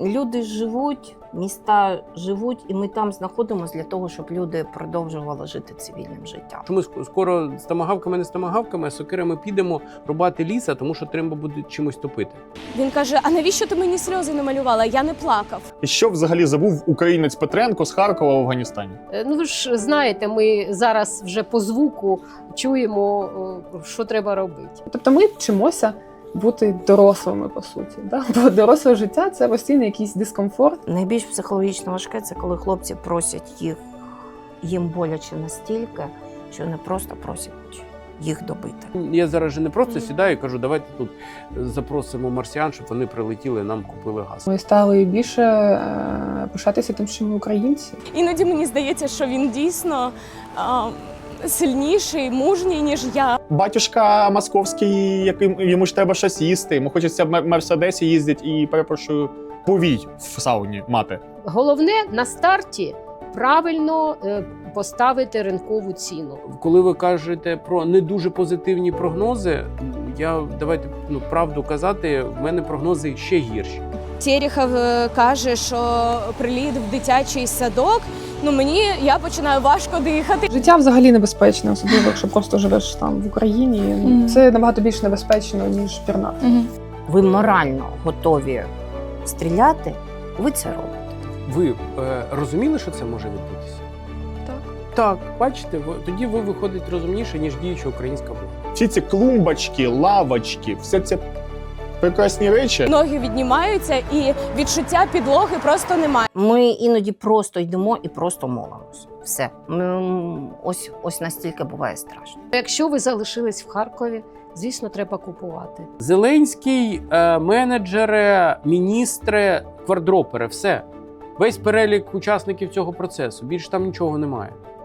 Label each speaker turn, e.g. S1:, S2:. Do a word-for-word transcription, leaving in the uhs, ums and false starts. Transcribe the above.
S1: Люди живуть, міста живуть, і ми там знаходимося для того, щоб люди продовжували жити цивільним життям.
S2: Що ми скоро з томагавками, не з томагавками, а сокирами підемо рубати ліса, тому що треба буде чимось топити.
S3: Він каже: а навіщо ти мені сльози намалювала? Я не плакав.
S4: І що взагалі забув українець Петренко з Харкова в Афганістані?
S5: Ну ви ж знаєте, ми зараз вже по звуку чуємо, що треба робити.
S6: Тобто ми вчимося бути дорослими, по суті. Да? Бо доросле життя – це постійний якийсь дискомфорт.
S1: Найбільш психологічно важке – це коли хлопці просять їх, їм боляче настільки, що не просто просять їх добити.
S2: Я зараз же не просто сідаю і кажу, давайте тут запросимо марсіан, щоб вони прилетіли і нам купили газ.
S6: Ми стали більше е, пишатися тим, що ми українці.
S3: Іноді мені здається, що він дійсно а, сильніший, мужній, ніж я.
S4: Батюшка московський, яким йому ж треба щось їсти, йому хочеться в Мерседесі їздити і, перепрошую, повій в сауні мати.
S5: Головне на старті правильно е, поставити ринкову ціну.
S2: Коли ви кажете про не дуже позитивні прогнози, я давайте ну, правду казати, в мене прогнози ще гірші.
S3: Терехов е, каже, що приліт в дитячий садок. Ну мені я починаю важко дихати.
S6: Життя взагалі небезпечне, особливо якщо просто живеш там в Україні.
S3: Мгм.
S6: Це набагато більш небезпечно, ніж пірнати.
S1: Ви морально готові стріляти, ви це робите.
S2: Ви е, розуміли, що це може відбутися?
S6: Так.
S2: Так, бачите, ви, тоді ви виходите розумніше, ніж діюча українська влада.
S4: Всі ці клумбочки, лавочки, все це прекрасні речі.
S3: Ноги віднімаються і відчуття підлоги просто немає.
S1: Ми іноді просто йдемо і просто молимося. Все. Ми, ось, ось настільки буває страшно.
S5: Якщо ви залишились в Харкові, звісно, треба купувати.
S2: Зеленський, е, менеджери, міністри, квардропери, все. Весь перелік учасників цього процесу. Більше там нічого немає.